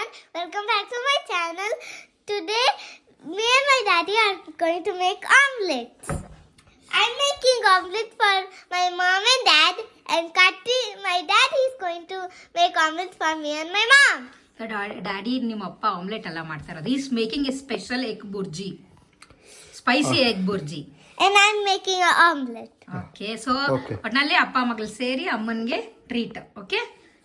welcome back to my channel. Today, me and my daddy are going to make omelets. I'm making omelets for my mom and dad, and Kati, my dad, is going to make omelets for me and my mom. Daddy ನಿಮ್ಮ ಅಪ್ಪ omelette ಎಲ್ಲ ಮಾಡ್ತಾ ಇರೋದು. Is making a special egg bhurji, spicy egg bhurji. And I'm making an omelet. Okay, so ಒಟ್ನಲ್ಲಿ ಅಪ್ಪ ಮಗಳು ಸೇರಿ ಅಮ್ಮನ್ಗೆ treat. Okay,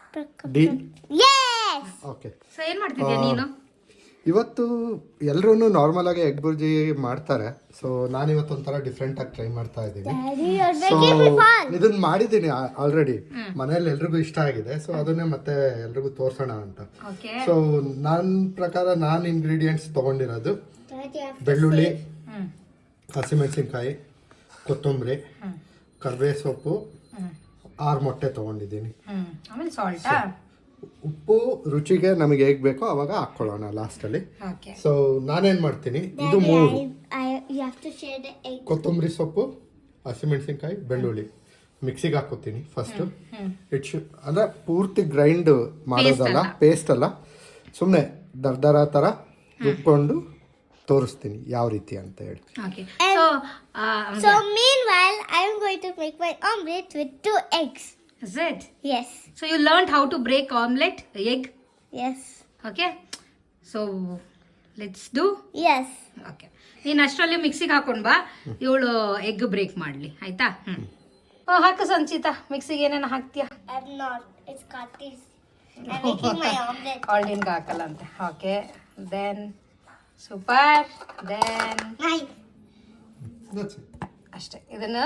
Yes. Okay. So ಏನ್ ಮಾಡ್ತಿದ್ಯಾ ನೀನು? ಇವತ್ತು ಎಲ್ಲರೂ ನಾರ್ಮಲ್ ಆಗಿ ಎಗ್ ಬುರ್ಜಿ ಮಾಡ್ತಾರೆ. ಸೊ ನಾನು ಇವತ್ತು ಒಂಥರ ಡಿಫ್ರೆಂಟ್ ಆಗಿ ಟ್ರೈ ಮಾಡ್ತಾ ಇದ್ದೀನಿ. Daddy, you're so making me fun. ಇದನ್ನ ಮಾಡಿದ್ದೀನಿ ಆಲ್ರೆಡಿ, ಮನೇಲಿ ಎಲ್ರಿಗೂ ಇಷ್ಟ ಆಗಿದೆ. ಸೊ ಅದನ್ನೇ ಮತ್ತೆ ಎಲ್ರಿಗೂ ತೋರ್ಸೋಣ ಅಂತ. ಓಕೆ, ಸೊ ನನ್ನ ಪ್ರಕಾರ ನಾನು ಇಂಗ್ರೀಡಿಯೆಂಟ್ಸ್ ತಗೊಂಡಿರೋದು Daddy, I have to ಬೆಳ್ಳುಳ್ಳಿ, ಹ್ಮ್ ಹಸಿಮೆಣಸಿನ್ಕಾಯಿ, ಕೊತ್ತಂಬರಿ, ಕರಿಬೇವು ಸೊಪ್ಪು, 6 ಮೊಟ್ಟೆ ತಗೊಂಡಿದ್ದೀನಿ. ಆಮೇಲೆ ಸಾಲ್ಟಾ? ಉಪ್ಪು ರುಚಿಗೆ ನಮಗೆ ಹೇಗ್ ಬೇಕೋ ಅವಾಗ ಹಾಕೊಳ್ಳೋಣ ಲಾಸ್ಟಲ್ಲಿ. ಓಕೆ, ಸೊ ನಾನೇನ್ ಮಾಡ್ತೀನಿ, ಇದು Daddy, 3 you have to share the egg. ಕೊತ್ತಂಬರಿ ಸೊಪ್ಪು, ಹಸಿಮೆಣಸಿನ್ಕಾಯಿ, ಬೆಳ್ಳುಳ್ಳಿ ಮಿಕ್ಸಿಗೆ ಹಾಕೋತೀನಿ ಫಸ್ಟ್. ಅಂದ್ರೆ ಪೂರ್ತಿ ಗ್ರೈಂಡ್ ಮಾಡೋದಲ್ಲ, ಪೇಸ್ಟ್ ಅಲ್ಲ, ಸುಮ್ಮನೆ ದರ್ದರ ಥರ ರುಬ್ಕೊಂಡು ತೋರಿಸ್ತೀನಿ ಯಾವ ರೀತಿ ಅಂತ ಹೇಳಿ. Okay. So meanwhile, I'm going to make my omelet with 2 eggs. Is it? Yes. So you learned how to break omelette, egg. Yes. Okay. So let's do. Yes. Okay, ನೀನು ಅಷ್ಟರಲ್ಲಿ ಮಿಕ್ಸಿಗೆ ಹಾಕೊಂಡ್ ಬಾ, ಇವಳು ಎಗ್ ಬ್ರೇಕ್ ಮಾಡಲಿ, ಆಯ್ತಾ? ಹಾಕು ಸಂಚಿತಾ, ಮಿಕ್ಸಿಗೆ ಏನೇನು ಹಾಕ್ತೀಯಾ? I'm not. It's Kati's. I'm making my omelet. ಆಲ್ಡಿನ್ಗೆ ಹಾಕಲ್ಲ ಅಂತೆ. Okay, then super, then Nice. That's it. ಅಷ್ಟೇ. ಇದನ್ನ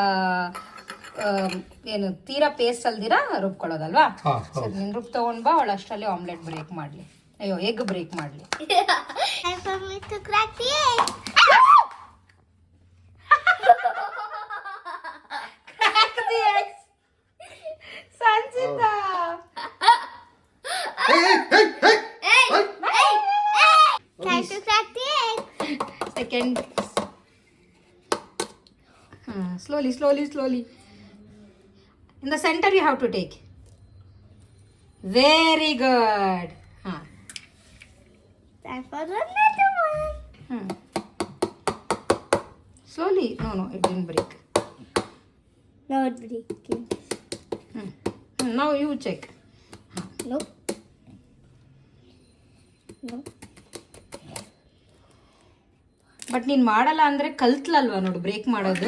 ಏನು ತೀರಾ ಪೇಸ್ಟ್ ಅಲ್ದಿರಾ ರುಬ್ಕೊಳ್ಳೋದಲ್ವಾ? ಹಾ, ಸರಿ, ನೀನು ರುಬ್ ತಗೊಂಡ್ ಬಾ, ಅವಳು ಅಷ್ಟರಲ್ಲಿ ಆಮ್ಲೆಟ್ ಬ್ರೇಕ್ ಮಾಡಲಿ, ಅಯ್ಯೋ ಎಗ್ ಬ್ರೇಕ್ ಮಾಡಲಿ. Time for me to crack the egg. Sanchita, Time to crack the egg. Second. Slowly, slowly, slowly. In the center you have to take. Very good. Time for another one. Slowly. No, it didn't break. No, it's breaking. Now you check. Nope. Nope. But ನೀನು ಮಾಡಲ್ಲ ಅಂದರೆ ಕಲ್ತ್ಲಲ್ವಾ ನೋಡು break ಮಾಡೋದು.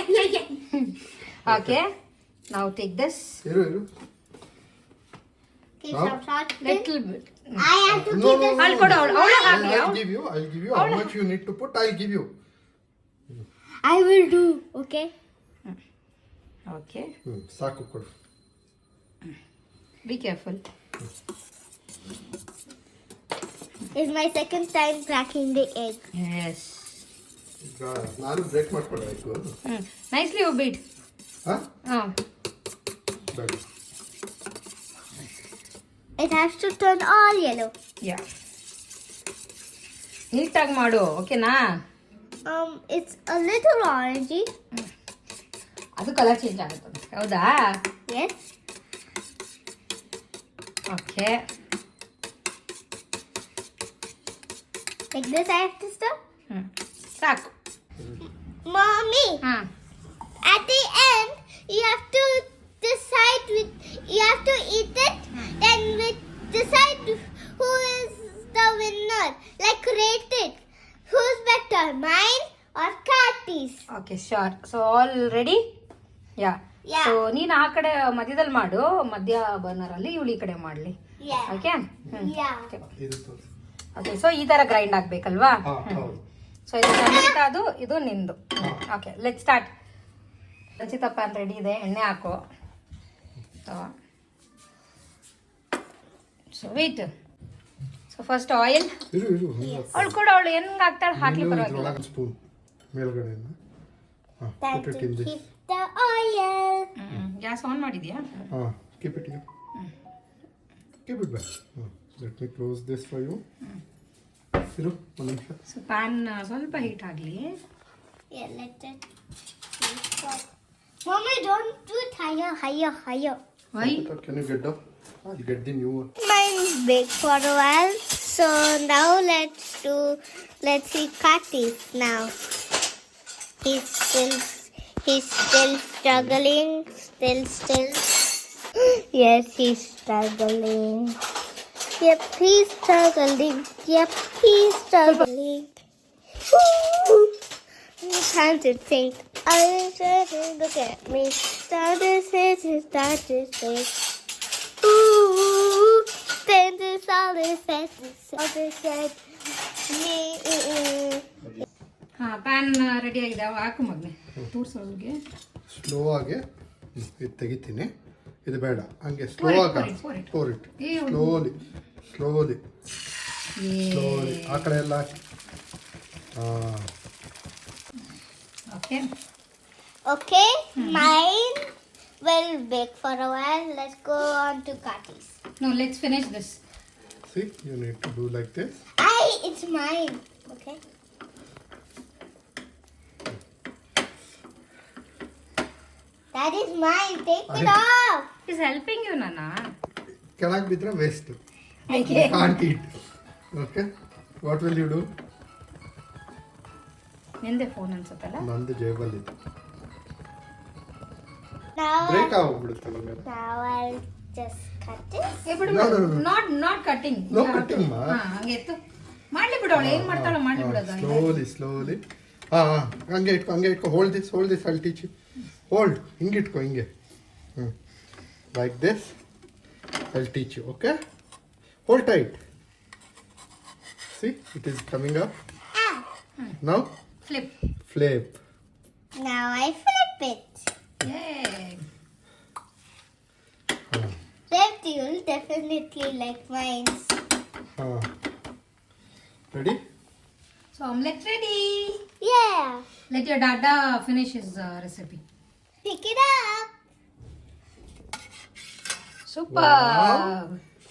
Okay, ನಾವು take this ಇರು. Keep some salt. Little bit. I have to keep this. ಅಲ್ಲಿ ಕೊಡು, ಅವಳು ಹಾಕಿ. I'll give you how much you need to put. I'll give you. I will do. Okay. Okay, ಸಾಕು ಕೊಡು. Be careful. It's my second time cracking the egg. Yes. ಈಗ ನಾನು break ಮಾಡ್ಕೊಡ್ಬೇಕು. Nicely you beat. ಹಾಂ, ಬೇಡ. It has to turn all yellow. ಯಾ, ನೀಟಾಗಿ ಮಾಡು, ಓಕೆನಾ? It's a little orangey. ಅದು ಕಲರ್ ಚೇಂಜ್ ಆಗುತ್ತೆ, ಹೌದಾ? Yes. Okay, Like this I have to stir. ಸಾಕು. Mommy, ಹಾಂ, at the end you have to decide you have to eat it and decide who is the winner. Like rate it. Who's better, mine or Kati's? Okay, sure. So all ready? Yeah. Yeah. So ನೀನು ಆ ಕಡೆ ಮಧ್ಯದಲ್ಲಿ ಮಾಡು, ಮಧ್ಯ ಬರ್ನರಲ್ಲಿ ಇವಳು ಈ ಕಡೆ ಮಾಡಲಿ. Yeah. ಓಕೆ. Yeah. ಇದು ತೋರಿಸು. ಓಕೆ, ಸೊ ಈ ಥರ ಗ್ರೈಂಡ್ ಆಗಬೇಕಲ್ವಾ? ಹೌದು. ಸೊ ಇದು ಸಂಚಿತಾದು, ಇದು ನಿಂದು. Okay, let start. Sanchita pan ready ಇದೆ, ಎಣ್ಣೆ ಹಾಕು. So wait. So first oil. ಇರು. ಅವಳು ಕೂಡ ಅವಳು ಹೆಂಗೆ ಹಾಕ್ತಾಳೆ ಹಾಕ್ಲಿ, ಪರವಾಗಿಲ್ಲ. ಸ್ಪೂನ್ ಮೇಲ್ಗಡೆಯಿಂದ. Time Put it to in this. keep the oil. Gas on ಮಾಡಿದ್ಯಾ? Keep it here. Keep it back. Let me close this for you. ಇರು ಒಂದು ನಿಮಿಷ. ಸೊ ಪ್ಯಾನ್ ಸ್ವಲ್ಪ ಹೀಟ್ ಆಗಲಿ. Yeah, let it. Mommy, don't do it higher. Why? Can you get the new one? My bake for a while. So now let's see Katis now. He's still struggling. Still. Yes, he's struggling. Yep, he's struggling. Time to think. Look at me. Start to think. Ooh, then this all is said. ಹಾ pan ready ಆಗಿದೆ ಹಾಕು ಮಗ್ನೆ ತೋರ್ಸೋರಿಗೆ. Slow ಆಗಿ ಇದು ತೆಗಿತೀನಿ. ಇದು ಬೇಡ, ಹಂಗೆ slow ಆಗಿ pour it. ಸ್ಲೋಲಿ ಆ ಕಡೆ ಎಲ್ಲ ಹಾಕಿ. Okay, mine will bake for a while. Let's go on to Kati's. No, let's finish this. See, you need to do like this. It's mine. Okay. That is mine. Take it off. He's helping you, Nana. ಕೆಳಗೆ ಬಿದ್ದರೆ waste. Okay. Can't eat. Okay. What will you do? ನಿಂದೆ phone ಅನ್ಸುತ್ತಲ್ಲ. ನಂದು ಜೇಬಲ್ಲಿದೆ. Now break ಆಗೋಗ್ಬಿಡುತ್ತೆ ನಮಗೆ. Now I'll just cut this. Not cutting. No cutting, ma. ಹಂಗೆ ಎತ್ತು ಮಾಡ್ಲಿ ಬಿಡು, ಅವಳು ಏನ್ ಮಾಡ್ತಾಳೋ ಮಾಡ್ಲಿ ಬಿಡೋದು. ಸ್ಲೋಲಿ ಹಂಗೆ ಇಟ್ಕೊ. Hold this I'll teach you. Hold ಹಿಂಗೆ ಇಟ್ಕೊ, ಹಿಂಗೆ like this I'll teach you. Okay, hold tight. See it is coming up. Now flip. Now I flip it. Flip, you'll definitely like mine. Ready? So omelette ready. Yeah. Let your dada finish his recipe. Pick it up. Super. Wow.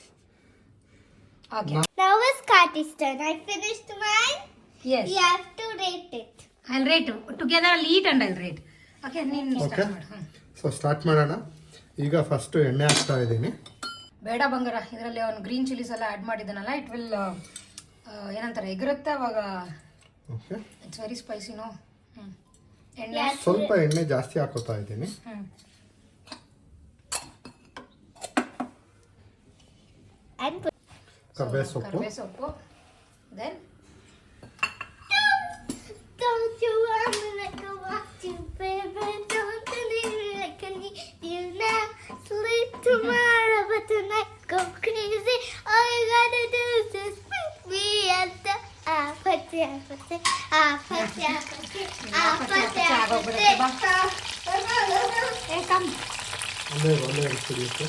Okay. Now it's Kati's turn. I finished mine. Yes. You have to rate it. I'll rate together. I'll eat and I'll rate. Okay. ನೀನು okay, start ಮಾಡು. So start ಮಾಡೋಣ. ಈಗ first ಎಣ್ಣೆ ಹಾಕ್ತಾ ಇದ್ದೀನಿ. ಬೇಡ ಬಂಗಾರ, ಇದರಲ್ಲಿ ಅವನು ಗ್ರೀನ್ ಚಿಲ್ಲೀಸ್ ಎಲ್ಲ ಆ್ಯಡ್ ಮಾಡಿದ್ದಾನಲ್ಲ, ಇಟ್ ವಿಲ್ ಏನಂತಾರೆ ಎಗರುತ್ತೆ ಅವಾಗ. Okay, it's very spicy no. ಎಣ್ಣೆ ಸ್ವಲ್ಪ ಎಣ್ಣೆ ಜಾಸ್ತಿ ಹಾಕೋತಾ ಇದ್ದೀನಿ. And put. ಕರ್ಬೇವು ಸೊಪ್ಪು. Then Don't you want me like I want you, baby? Don't you leave me like I need you now? Sleep tomorrow, but tonight go crazy. All you gotta do is just meet me at the apathy. ಒಳ್ಳೆ ಕುಡಿಯುತ್ತೆ.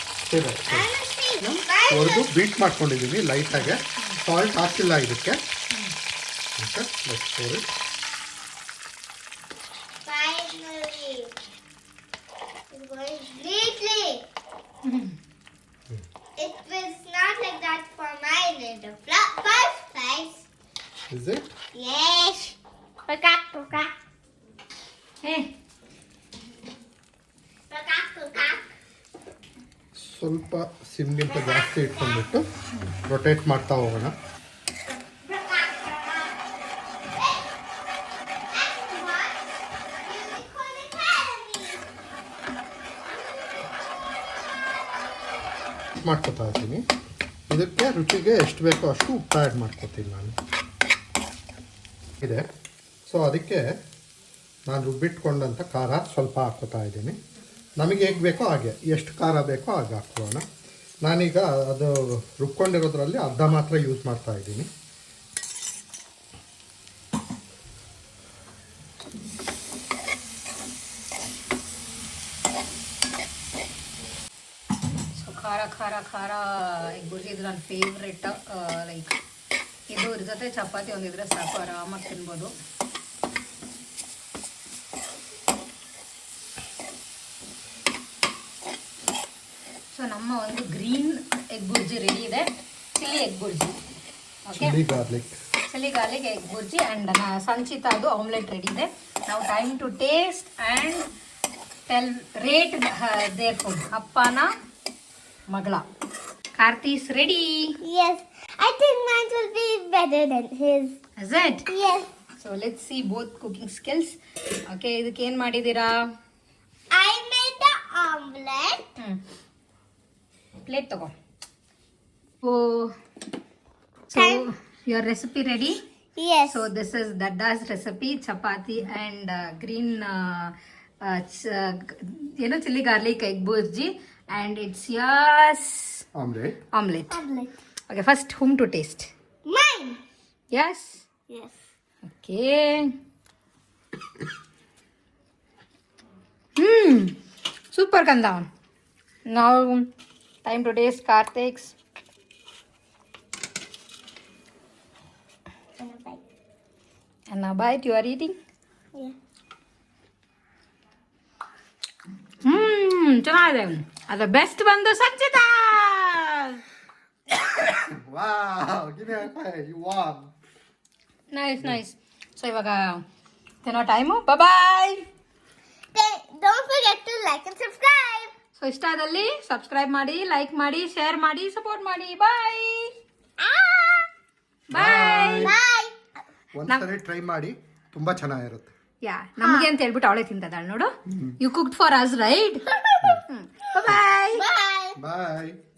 ಹೊರದು beet ಮಾಡ್ಕೊಂಡಿದ್ದೀವಿ ಲೈಟಾಗೆ. Salt ಹಾಕಿಲ್ಲ ಇದಕ್ಕೆ. Okay, let's pour it. Finally, it's going greatly. It was not like that for mine in the first place. Is it? Yes. Pukak. ಸ್ವಲ್ಪ ಸಿಮ್ಗಿಂತ ಜಾಸ್ತಿ ಇಟ್ಕೊಂಡ್ಬಿಟ್ಟು rotate ಮಾಡ್ತಾ ಹೋಗೋಣ. ಮಾಡ್ಕೊತಾ ಇದ್ದೀನಿ. ಇದಕ್ಕೆ ರುಚಿಗೆ ಎಷ್ಟು ಬೇಕೋ ಅಷ್ಟು ಉಪ್ಪು ಆ್ಯಡ್ ಮಾಡ್ಕೊತೀನಿ ನಾನು ಇದೆ. ಸೊ ಅದಕ್ಕೆ ನಾನು ರುಬ್ಬಿಟ್ಕೊಂಡಂಥ ಖಾರ ಸ್ವಲ್ಪ ಹಾಕ್ಕೋತಾ ಇದ್ದೀನಿ. ನಮಗೆ ಹೇಗೆ ಬೇಕೋ ಹಾಗೆ, ಎಷ್ಟು ಖಾರ ಬೇಕೋ ಹಾಗೆ ಹಾಕ್ಕೊಳ್ಳೋಣ. ನಾನೀಗ ಅದು ರುಬ್ಕೊಂಡಿರೋದ್ರಲ್ಲಿ ಅರ್ಧ ಮಾತ್ರ ಯೂಸ್ ಮಾಡ್ತಾ ಇದ್ದೀನಿ. ಖಾರ ಎಗ್ ಬುರ್ಜಿ ಇದು ನನ್ನ ಫೇವ್ರೆಟ್. ಲೈಕ್ ಇದು ಇದ್ರ ಜೊತೆ ಚಪಾತಿ ಒಂದಿದ್ರೆ ಸಾಕು, ಆರಾಮಾಗಿ ತಿನ್ಬೋದು. ಸೊ ನಮ್ಮ ಒಂದು ಗ್ರೀನ್ ಎಗ್ ಬುರ್ಜಿ ರೆಡಿ ಇದೆ. Chilli egg bhurji, okay, chilli garlic egg bhurji and ಸಂಚಿತಾದು ಆಮ್ಲೆಟ್ ರೆಡಿ ಇದೆ. ನಾವು time to taste and rate their food. ಅಪ್ಪನ ಮಗಳ Karthi is ready. Yes. I think mine will be better than his. Is it? Yes. So let's see both cooking skills. Okay, ಇದಕ್ಕೆ ಏನು ಮಾಡಿದ್ದೀರಾ? I made the omelette. Plate ತಗೋ. So your recipe ready? Yes. So this is Dadda's recipe, chapati and green chili garlic egg burji, and it's yours omelette. omelette. Omelette. Okay, first whom to taste? Mine. Yes. Yes. Okay. Super Kanda. Now time to taste Karthik's. And a bite. And now bite, you are eating? Yeah. ಚೆನ್ನಾಗಿದೆ. ಅದು best ಬಂದು Sanchita. Wow, give me a high five. You won. Nice. So ಇವಾಗ ತಿನ್ನೋ time. Bye. Don't forget to like and subscribe. So ಇಷ್ಟ ಆದಲ್ಲಿ subscribe ಮಾಡಿ, like ಮಾಡಿ, share ಮಾಡಿ, ಸಪೋರ್ಟ್ ಮಾಡಿ. ಬಾಯ್. ಬಾಯ್. Bye. ಒಂದ್ಸರಿ ಟ್ರೈ ಮಾಡಿ, ತುಂಬಾ ಚೆನ್ನಾಗಿರುತ್ತೆ. ಯಾ, ನಮಗೆ ಅಂತ ಹೇಳ್ಬಿಟ್ಟು ಅವಳೇ ತಿಂತದಾಳ ನೋಡು. You cooked for us right. Bye. Bye. Bye.